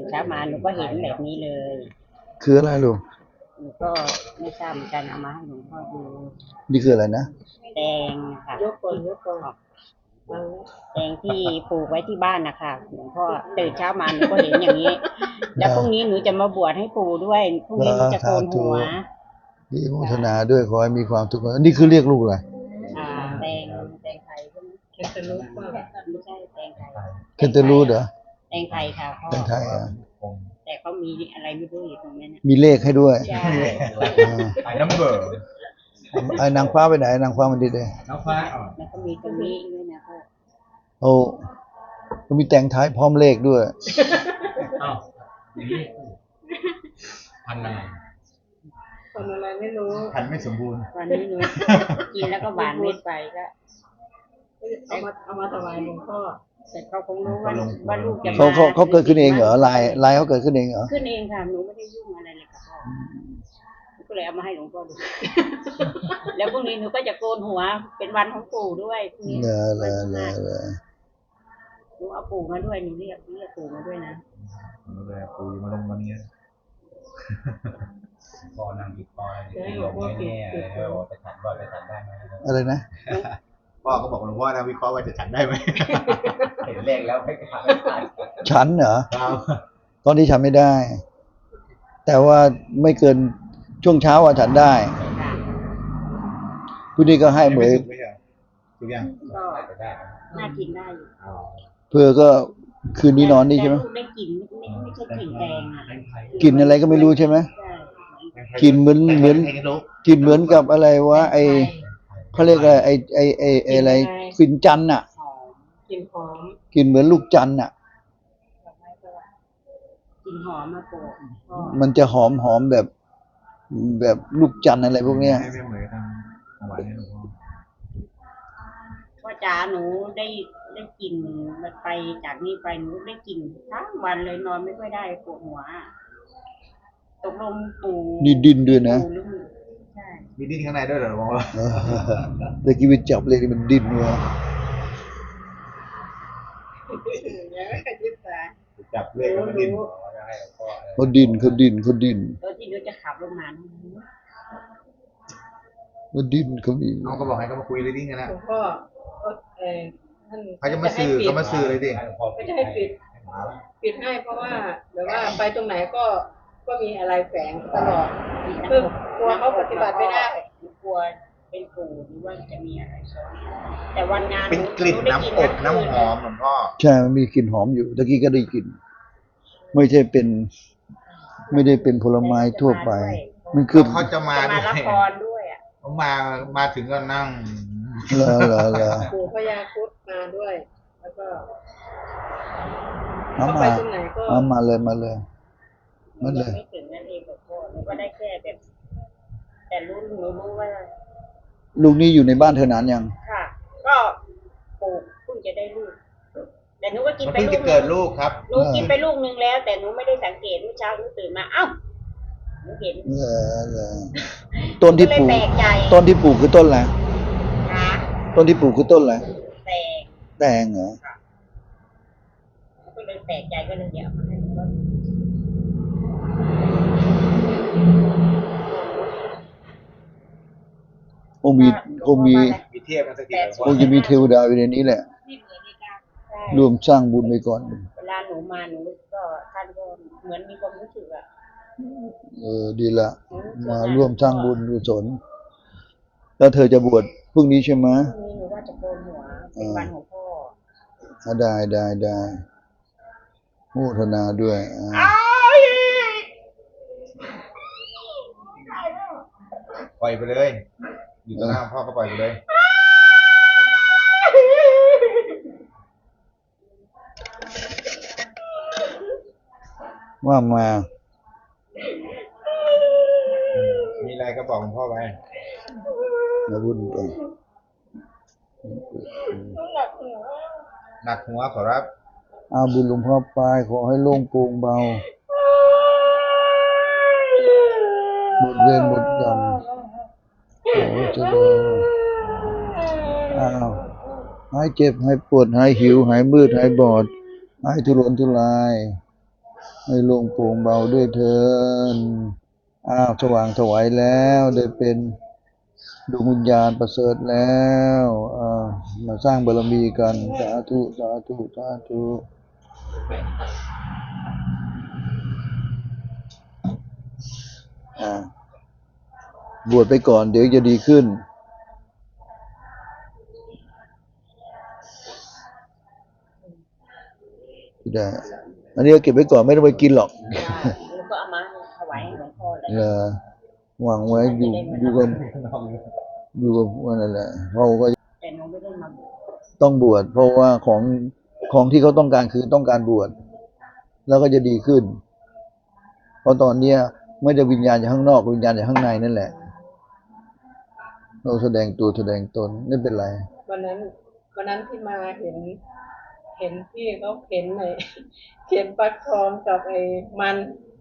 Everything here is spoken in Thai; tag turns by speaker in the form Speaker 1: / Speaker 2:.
Speaker 1: นเช้ามาหนูก็เห็นแบบนี้เลย
Speaker 2: คืออะไรลูก
Speaker 1: หนูก็ไม่ทราบเหมือนกันเอามาให้หลวงพ่อดู
Speaker 2: นี่คืออะไรนะ
Speaker 1: แตงค่ะยกก่อนแตงที่ปลูกไว้ที่บ้านนะคะหลวงพ่อตื่นเช้ามาหนูก็เห็นอย่างนี้ แล้วพรุ่งนี้หนูจะมาบวชให้ปู่ด้วยพรุ่งนี้หนูจะโกนหัว
Speaker 2: ดีโมทนาด้วยขอให้มีความทุกข์นี่คือเรียกลูกอะไร
Speaker 1: แตงไทยใช่ไหมเคนตาลูปไม่ใช่แตงไทย
Speaker 2: เคนเตลูดเหรอ
Speaker 1: แตงไทยค่ะพ่อ
Speaker 2: แตงไทย
Speaker 1: แต่เขามีอะไรไม่รู้อยู่ตรงนั้น
Speaker 2: มีเลขให้ด้วย
Speaker 1: ใช่
Speaker 3: ไอ้นัมเบอร์
Speaker 2: ไอ้นางฟ้าไปไหนนางฟ้ามันดีเลย
Speaker 3: นางฟ้า
Speaker 1: แล้วก็มีตรงนี้ด้วยนะพ่อ
Speaker 2: โอ้ก็มีแต่งท้ายพร้อมเลขด้วย
Speaker 3: อ้าวพันอะไร
Speaker 1: ไม่รู้
Speaker 3: พันไม่สมบูรณ์
Speaker 1: วันนี้หนูกินแล้วก็หวานเม็ดไปก็เอามาถวายหลวงพ่อแต่เขาคงรู้ว่าลูกจะมา
Speaker 2: เขาเกิดขึ้นเองเหรอลายเขาเกิดขึ้นเองเหรอ
Speaker 1: ขึ้นเองค่ะหนูไม่ได้ยุ่งอะไรเลยค่ะพ่อก็เลยเอามาให้หลวงพ่อดูแล้วพรุ่งนี้หนูก็จะโกนหัวเป็นวันของปู่ด้วยพรุ่งนี้หนูเอาปู่มาด้วยหนูเรียกปู่มาด้วยนะ
Speaker 3: ปู่มาลงวันนี้พอนั่งติดคออะไรลงไม่แน่เลยว่าจะฉันว่าจะฉันได้ไหม
Speaker 2: อะไรนะ
Speaker 3: พ่อก็บอกหลวงพ่อนะวิเคราะห์ว่าจะฉันได้ไหมเห็นเลขแล้วไม่ทำไม่ได้
Speaker 2: ฉันเหรอตอนที่ฉันไม่ได้ แต่ว่าไม่เกินช่วงเช้าฉันได้ผู้นี้ก็ให้เหมย
Speaker 3: ทุกอย่าง
Speaker 1: ก็น่ากินได้
Speaker 2: เพื่อก็คืนนี้นอนนี่ใช่ไหม
Speaker 1: ได้กลิ่นไม่ใช่กลิ่นแดงอ่ะ
Speaker 2: กลิ่นอะไรก็ไม่รู้ใช่ไหมกลิ่นเหมือนกลิ่นเหมือนกับอะไรวะไอเขาเรียกอะไรไออะไรฟินจันน่ะ
Speaker 1: กลิ่นหอม
Speaker 2: กลิ่นเหมือนลูกจันน่ะ
Speaker 1: กลิ่นหอมมากกว่า
Speaker 2: มันจะหอมแบบลูกจันอะไรพวกเนี้ย
Speaker 3: ไม่เหมือนทางหวานนี่หลวงพ่อ
Speaker 1: ว่าจ๋าหนูได้กลิ่นมันไปจากนี้ไปหนูได้กลิ่นทั้งวันเลยนอนไม่ค่อยได้ปวดหัวตกลงปู่
Speaker 2: นี่ดินด้วยนะ
Speaker 1: ใช่
Speaker 3: มีดินข้างในด้วยเหรอหลวงพ่อ
Speaker 2: แต่กี้ไปจับเลยมันดินวะ
Speaker 3: จับเลยมันดิน
Speaker 2: เขาดิน
Speaker 1: ตอนที่หนูจะขับลงมา
Speaker 2: เขาดินเขามี
Speaker 3: น้องก็บอกให้เขามาคุยเลยดิงั้นนะ
Speaker 1: ก็
Speaker 3: เขาจะมาสื่อเขามาสื่อเลยดิ
Speaker 1: ก็จะให้ปิดให้เพราะว่าแบบว่าไปตรงไหนก็มีอะไรแฝงตลอดคือกลัวเขาปฏิบัติไม่ได้กลัวเป็นปู่หรือว่าจะมีอะไรซ้อนแต่วันงาน
Speaker 3: เป็นกลิ่นน้ำอบน้ำหอมหลวงพ่อ
Speaker 2: ใช่มันมีกลิ่นหอมอยู่ตะกี้ก็ได้กลิ่นไม่ได้เป็นผลไม้ทั่วไปมันคือ
Speaker 3: เขาจะมา
Speaker 1: ละครด้วยอ่ะ
Speaker 3: เขามาถึงก็นั่ง
Speaker 1: ปู่พญาครุฑมาด้วยแล้วก็
Speaker 2: มาเลยไม่ถึง
Speaker 1: นั่นเองกับพ่อหนูก็ได้แค่แบบแต่หนูรู้ว่า
Speaker 2: ลูกนี้อยู่ในบ้านเธอนานยัง
Speaker 1: ค่ะก็ปู่เพิ่งจะได้ลูกแต่หนูก็กินไป
Speaker 3: ลูกเกิดลูกครับ
Speaker 1: หนูกินไปลูกนึงแล้วแต่หนูไม่ได้สังเกตเมื่อเช้าหนูตื่นมาเอ้าหนูเห็น
Speaker 2: ต้นที่ปลูกคือต้นอะไรต้นที่ปลูกคือต้นอะไรแตงเหรอ
Speaker 1: ก็เลยแปลกใจก็เลยอยากมาให้ก็
Speaker 2: มี
Speaker 3: เทียบกันสักที
Speaker 2: คงจะมีเทวดาอยู่ในนี้แหละรวมสร้างบุญไปก่อน
Speaker 1: เวลาหนูมาหนูก็ท่านก็เหมือนมีความรู้สึกอ่ะ
Speaker 2: ดีละมาร่วมสร้างบุญกุศลแล้วเธอจะบวชพรุ่งนี้ใช่ไหม
Speaker 1: พรุ่งนี้หนูว่าจะโกนหัวเป็นวันของพ่อ
Speaker 2: ได้โมทนาด้วย
Speaker 3: ปล่อยไปเลยอยู่ตรงหน้าพ่อก็ปล่อยไปเลย
Speaker 2: ว่ามา
Speaker 3: มีอะไรก็บอกหลวงพ่อไป
Speaker 2: นะบุญไป
Speaker 3: หนักหัวขอรับ
Speaker 2: บุญหลวงพ่อไปขอให้โล่งโปร่งเบาหมดเวรหมดกรรมโอ้เจริญหายเจ็บหายปวดหายหิวหายมืดหายบอดหายทุรนทุรายให้โล่งโปร่งเบาด้วยเถิดอ้าวสว่างไสวแล้วได้เป็นดวงวิญญาณประเสริฐแล้วมาสร้างบารมีกันสาธุสาธุสาธุอ่าบวชไปก่อนเดี๋ยวจะดีขึ้นได้ อันนี้ก็เก็บไว้ก่อนไม่ต้องไปกินหรอก
Speaker 1: แล้วก็เอามาถวายให้หลวงพ่อเลย
Speaker 2: หวังไว้อยู่กับว่านั่นแหละเขาก็
Speaker 1: แต่น้องไม่ได้มา
Speaker 2: ต้องบวชเพราะว่าของที่เขาต้องการคือต้องการบวชแล้วก็จะดีขึ้น เพราะตอนเนี้ยไม่ได้วิญญาณจากข้างนอกวิญญาณจากข้างในนั่นแหละเราแสดงตัวแสดงตนไม่เป็นไร
Speaker 1: วันนั้นที่มาเห็นพี่เขาเข็นไอ้เข็นฟักทองกับไอ้มัน